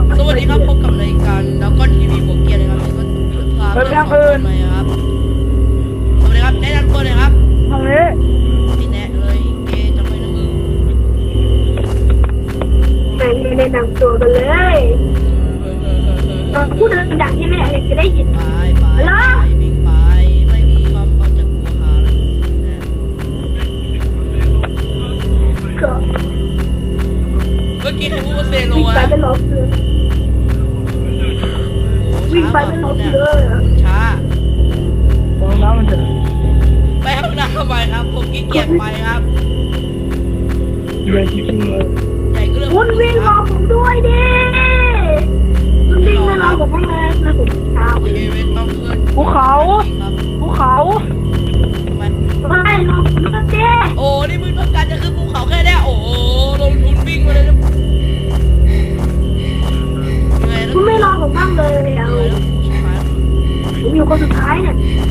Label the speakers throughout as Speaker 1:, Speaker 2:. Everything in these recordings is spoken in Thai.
Speaker 1: สวัสดีครับพบกับรายการแล้วก็ทีวีบวกเกียร์นะครับก็พาเพื่อนของคนใหม่ครับสวัสดีครับแนะนำตัวเลยครับ
Speaker 2: ทางนี้
Speaker 1: ไม่แนะเลยเกจะไม่นะมึง
Speaker 3: ไม่ได้นำตัวกันเลยพูดดังๆที่แม่จะได้ยิน
Speaker 1: ไปวิ่งไปไม่มีความเขาจะกลัวหาแล้วเมื่อกี้ใครพูดว่าเซโล
Speaker 3: วิ่ง
Speaker 1: อะ
Speaker 3: ไปเป็นรถเลยวิ่งไปเป็นรถเลย
Speaker 1: ช้า
Speaker 2: ลองน้ำมันเถอะ
Speaker 1: ไปห้องน้ำไปครับผมขี้เกียจไปครับ
Speaker 2: ใหญ่จริงๆเลย
Speaker 1: ใหญ่ก็เรื่อง
Speaker 3: คุณวิ่งรอผมด้วยดิคุณวิ่งไม่รอผมไม่เลยนะผมเช้า
Speaker 1: เอเวนต้องขึ้น
Speaker 2: ภูเขา
Speaker 3: ไม่รอผมด้วยดิ
Speaker 1: โอ้นี่มึงต้องการจะขึ้นภูเขาแค่นี้โอ้ลงทุนวิ่งมาเลย
Speaker 3: คุณไม่รอผมบ้างเลยเอาผมอยู่คนสุดท้ายเนี่ย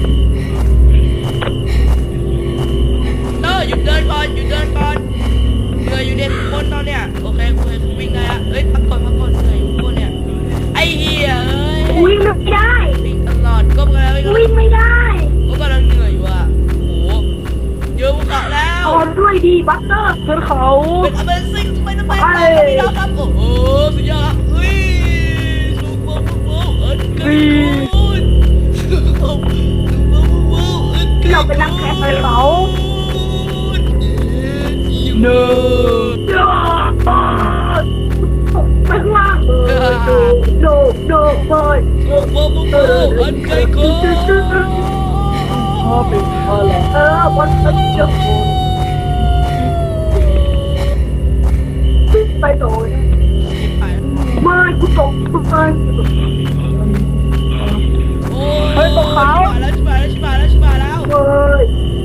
Speaker 1: หยุดเดินก่อนเหนื่อยอยู่เด็กคนตอนเนี้ยโอเคกูวิ่งไงอะเฮ้ยพักก่อนเหนื่อยอยู่คนเนี่ยไอ้เหี้ยเอ้ย
Speaker 3: วิ่งไม่ได้
Speaker 1: วิ่งตลอดก็
Speaker 3: วิ่งไม่ได้
Speaker 1: ก็กำลังเหนื่อยอยู่อะโอ้เยอะภูเขาแล้ว
Speaker 3: เอาด้วยดีบัตเตอร์
Speaker 2: ขึ้นเขา
Speaker 1: เป็น Amazing ทำไมพี่น้องครับโอ้โหสุดยอดครับเฮ้ยสุดโป๊ะ
Speaker 3: เราเป็นนักแข่งไปเขา
Speaker 1: เนอ
Speaker 3: ไปข้างล่างโดเลย
Speaker 1: อันไกลโก้
Speaker 2: พ่อเป็นพ่อแล้ว
Speaker 3: วันเดียวไปโดยไม่กูตก
Speaker 1: เฮ้ยตกเขาแล้วชิบะแล้ว
Speaker 3: เฮ้ย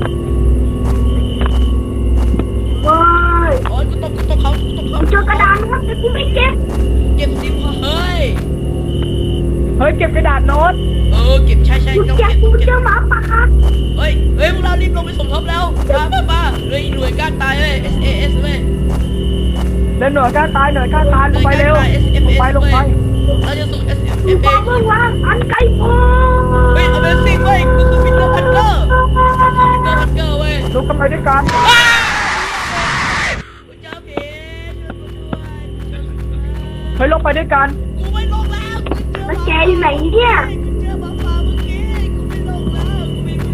Speaker 1: โอ้ยกูตกเขา
Speaker 3: เจอกระดานนะแต่กูไม่เก็บ
Speaker 1: สิเฮ้ย
Speaker 2: เก็บกระดาษโน้ต
Speaker 1: เก็บใช่
Speaker 3: ต้องเก็บกูเจอหมาป่า
Speaker 1: เฮ้ยพวกเรารีบลงไปสมทบแล้วมาเลยหน่วยก้านตายเว้ย SAS เว้ย
Speaker 2: หน่วยก้านตายลงไปเร็วลงไป
Speaker 1: เราจะส่ง SF
Speaker 3: เองเมื่อวานอันไกลโพ้
Speaker 1: เฮ้ย Amazing เว้ยกูคือปีเตอร์พันเกอร์เว้ย
Speaker 2: ลงกันไปด้วยกันลงไปด้วยกัน
Speaker 1: กูไม่ลงแล้ว
Speaker 3: แล้วแกอยู่ไหนเนี่ย
Speaker 1: เจอหมาป่าเมื่อกี้กูไม่ลงแล้วกูไม่ขึ้น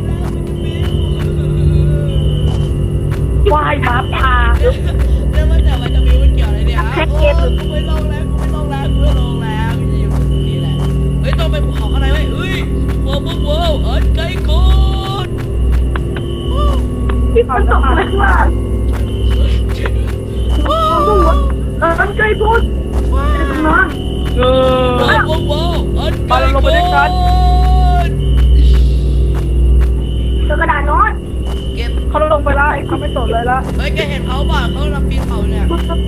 Speaker 1: แล้ว
Speaker 2: ว่ายหมาป่า
Speaker 1: แล้วมันแต่มันจะมีมันเกี่ยวอะไรเนี่ยกูไม่ลงแล้วกูอยู่นี่แหละเฮ้ยต้องไปภูเขาข้างในเว้ยเฮ้ยว้าวอันไกลโคตร
Speaker 3: ที่มันตกอะไรวะอันไกลโพ้
Speaker 1: ว้าวอันไกลโคตร
Speaker 3: เจอกระดาษโน้ต
Speaker 1: เก็บ
Speaker 2: เขาลงไปแล้วเขาไม่สนเลยละ
Speaker 1: เฮ้ยแกเห็นเขาบ้าเขาลำปีนเขาเนี่ย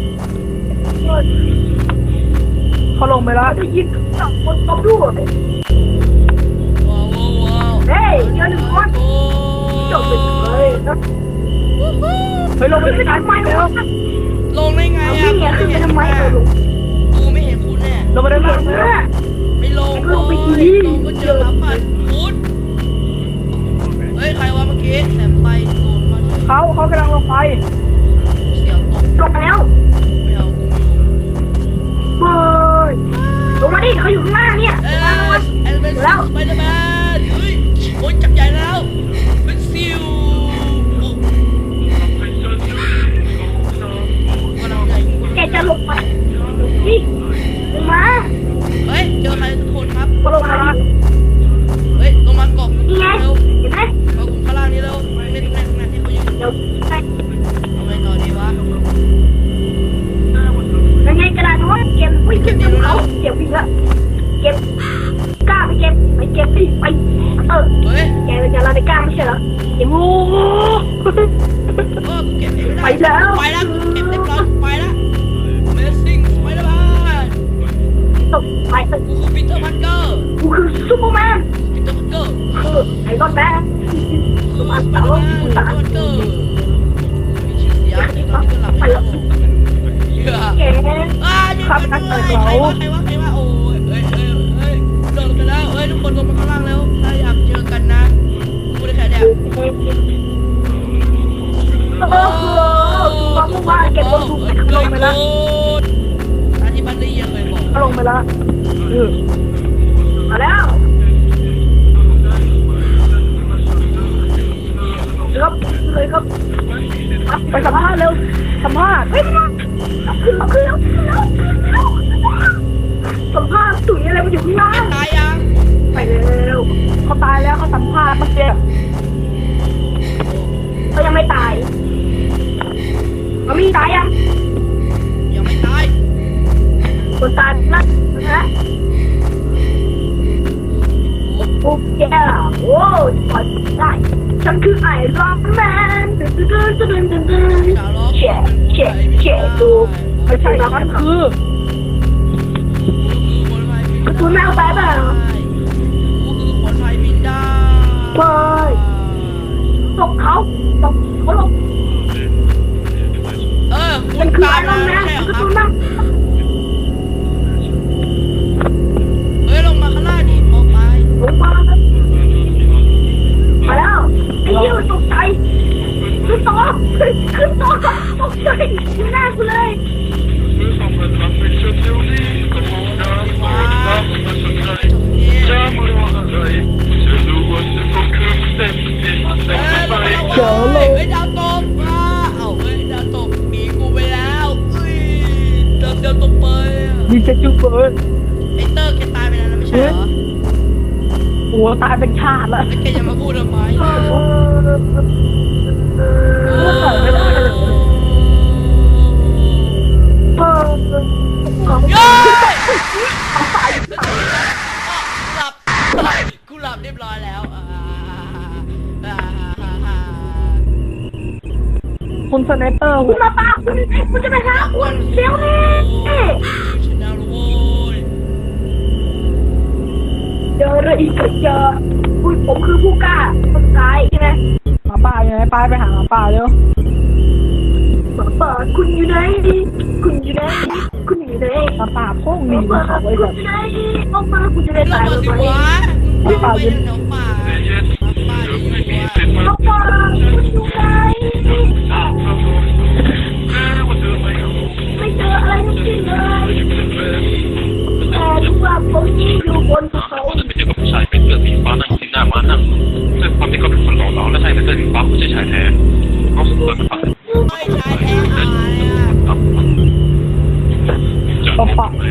Speaker 2: เขาลงไปแล้ว
Speaker 3: ได้ยินจับคนตบด้วย
Speaker 1: ว้าว
Speaker 3: เฮ้ยเจอหนึ่งคนจบเลย
Speaker 2: ลงไปด้วยกัน
Speaker 3: ทำไมวะ
Speaker 1: ลงได้ไงอ่ะ
Speaker 3: ขึ้นไปทำไม
Speaker 1: กูไม่เห็นคุณแน่
Speaker 2: ลงไปได้ไหม
Speaker 1: ไม่ลงก็เจอหมาป่าพุดเฮ้ยใครวะเมื่อกี้แสบไฟโดนมา
Speaker 2: เขากำลังลงไป
Speaker 1: เสียงตก
Speaker 3: ลงแล้ว
Speaker 1: ไม่เอา
Speaker 3: เฮ้ยลงมาดิเขาอยู่ข้างหน้าเนี่ย
Speaker 1: แล้วไปเลยแมนเฮ้ยโอ้ยจับใหญ่แล้วเป็นซิว
Speaker 3: แกจะลงไปนี่ลงมา
Speaker 1: เฮ้ยเจอใครทุกคนครับ
Speaker 3: ลงมา
Speaker 1: เฮ้ยลงมากบ
Speaker 3: นี่ไงเห็นไหม
Speaker 1: เอากลุ่มข้างล่างนี้แล้วไม่ตรงไหนที่เขาอยู่
Speaker 3: เดี๋ยวไป
Speaker 1: เอาไปต่อดีวะ
Speaker 3: ยังไงกระดาษโน้ตเก็บไม่เก็บเขาเก็บอีกแล้วเก็บกล้าไปเก็บดิไป
Speaker 1: เฮ้ย
Speaker 3: แกเป็นอะไรกล้าไม่ใช่เหรอเก็บงู
Speaker 1: เก็บ
Speaker 3: ไปแล้ว
Speaker 1: เก็บเรียบร้อยไปแล้ว Amazing ไปแล้วบ้าน
Speaker 3: ตกไป
Speaker 1: กูคือปีเตอร์พันเกอร์
Speaker 3: กูคือซูเปอร์แมน
Speaker 1: ปีเตอร์พันเกอร์
Speaker 3: ไอ้รอนแมน
Speaker 1: ซูเปอร์แมนปีเตอร์พันเกอร์มีชื่อเสียงที่ตอนนี้ก็หลับไปแล้ว
Speaker 3: แก
Speaker 1: ขับนักเตะเราใครวะคนลงมาข้างล่างแล้วถ้าอยากเจอกันนะพูดได้แค่เนี้ย
Speaker 3: บอกว่าเก็บบนถูกลงไปแล้ว
Speaker 1: อันที่มันได้ยังเคยบอก
Speaker 2: ลงไปแล้วเออ
Speaker 3: มาแล้วครับเลยครับ
Speaker 2: ไปสัมภาษณ์เร็วสัมภาษณ์
Speaker 3: เฮ้ยขึ้นแล้วสัมภาษณ์ตุ๋ยอะไรมาอยู่ข้างล่าง
Speaker 1: ตายยัง
Speaker 3: ไปเร็ว
Speaker 2: เขาตายแล้วเขาสัมภาษณ์เมื่อกี้
Speaker 3: เขายังไม่ตายเขามีตายยัง
Speaker 1: ยังไม่ตาย
Speaker 3: คนตายนะนะโอ้แกโอ้ปล่อยได้ฉันคือไอรอนแมนเฉะดู
Speaker 2: ไม่ใช่มันคือ
Speaker 3: คุณแม่เอาไปเปล่า
Speaker 1: กูคือคนไทยบินได้
Speaker 3: ไปตกเขาลง
Speaker 1: คุ
Speaker 3: มั
Speaker 1: ณ
Speaker 3: นคือ
Speaker 1: ตา
Speaker 3: ไอย ร
Speaker 1: มา
Speaker 3: อนแม
Speaker 1: ไม่
Speaker 3: น
Speaker 1: ใช่เหรอ
Speaker 3: คือ
Speaker 1: ครั
Speaker 3: ตั
Speaker 1: บ
Speaker 3: วนั่ง
Speaker 1: เฮ้ยลงมาข้างล่างดิมองไป
Speaker 3: ลงมาแล้วไอ้ยืดตกใจขึ้นต่อตกใจหน้ากูเลย
Speaker 2: เจ๋อเลย
Speaker 1: เฮ้ยดาวตกเฮ้ยดาวตกหนีกูไปแล้วเดินตกไป
Speaker 2: ยิงจะจุ๊บเบิร์ด
Speaker 1: ไอเตอร์แกตายไปแล้วนะไม่ใช่เหรอ
Speaker 2: โอ้ตายเป็นชาติแล้ว
Speaker 1: แล้วแกจะมาพูดทำไม เย้กูหลับเรียบร้อยแล้ว
Speaker 2: คุณสไนเปอร์
Speaker 3: คุณมาปาคุณจะไปหาคุณเดี๋ยวนี้
Speaker 1: ชนะโว้ย
Speaker 3: เจออะไรอีกเจอคุณผมคือผู้กล้าคนตายใช่ไหม
Speaker 2: หมาป่าอยู่ไหนไปหาหมาป่าเร็ว
Speaker 3: เปิดคุณอยู่ไหนคุณอยู่ไหนคุณอยู่ไหน
Speaker 2: หมาป่าพุ่งหนี
Speaker 3: เปิด
Speaker 2: เขา
Speaker 3: คุ
Speaker 2: ไว้
Speaker 3: ณ
Speaker 2: ก่อน
Speaker 3: อยู่ไหนออกมาคุณจะได้
Speaker 1: ล
Speaker 3: ตาง ย
Speaker 1: มา
Speaker 3: ไห
Speaker 1: สิ
Speaker 3: ม
Speaker 1: วะคุณไปแถวป่าป่าอยู่วะ
Speaker 3: ออกมาคุณอยู่ไหนไม่เจออะไรทั้งสิ้นเลยแต่รู้ว่าผมอยู่บนเขา
Speaker 4: ว่าจะไปเจอกับผู้ชายเป็นเสื้อสีฟ้านั่งที่หน้าม้านั่งซึ่งความที่เขาเป็นคนหล่อเหลาและใส่เป็นเสื้อสีฟ้าไม่ใช่ชายแท้เขาสุดเลยฟัง
Speaker 1: ไม่ใช่แท้หายอ่ะ
Speaker 2: หมา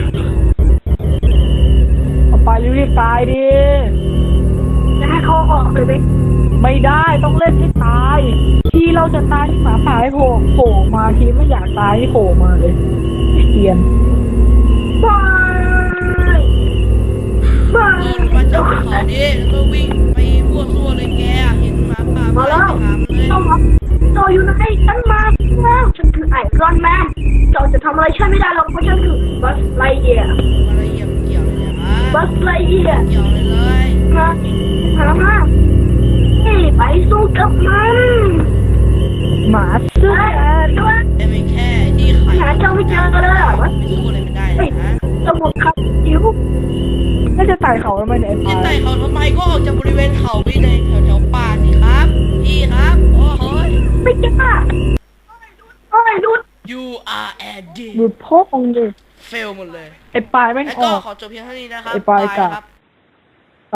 Speaker 2: ป่ารีบตายดิ
Speaker 3: จะให้เขาออกเลยไหม
Speaker 2: ไม่ได้ต้องเล่นให้ตาย ที่เราจะตายที่หมาป่าให้โผล่มาทีไม่อยากตายให้โผล่มาเลยเกียน
Speaker 3: บายบาย
Speaker 1: มาจากเขาดิแล้วก็วิ่งไปมั่วซั่วเลยแกเห็นหมาป่า
Speaker 3: มา
Speaker 1: ไป
Speaker 3: แล้ว
Speaker 1: หามันเลย
Speaker 3: ต้องรับต่ออยู่ไหนฉันมาแล้วฉันคือไอรอนแมนเจ้าจะทำอะไรฉันไม่ได้หรอกเพราะฉันคือบัสไลเยียร์
Speaker 1: อะไรเกี่ยวเกี่ยวเลยเนี่ยฮะ
Speaker 3: บัสไลเยียร์
Speaker 1: เกี่ยวเลยเลย
Speaker 3: มานี่ไปสู้กับมัน
Speaker 2: หมาเสื้อ
Speaker 3: ด้วย
Speaker 1: แต่ไม่แค่ที่ไข่
Speaker 3: หาเจ้าไม่เจอเลยอ่ะ
Speaker 1: ไม่สู้อะไรไม่ได้เลยนะ
Speaker 3: สมุดครับจิ๋ว
Speaker 2: น่าจะตายเขาแล้วไหมเนี่ย
Speaker 1: จะไต่เขาทำไมก็ออกจากบริเวณเขาไปในแถวป่าสิครับพี่ครับโอ้โห
Speaker 3: ไม่กล้าโอ้ยดู
Speaker 1: You are a D
Speaker 2: ดูพ่อองค์ดิ
Speaker 1: fail หมดเลย
Speaker 2: ไอ้ปลายแม่ง
Speaker 1: แล้ว
Speaker 2: อ
Speaker 1: ก็
Speaker 2: อก
Speaker 1: ขอจบเพียงเท่านี้นะครับ
Speaker 2: ไอ้ปลายกะ
Speaker 1: ครับ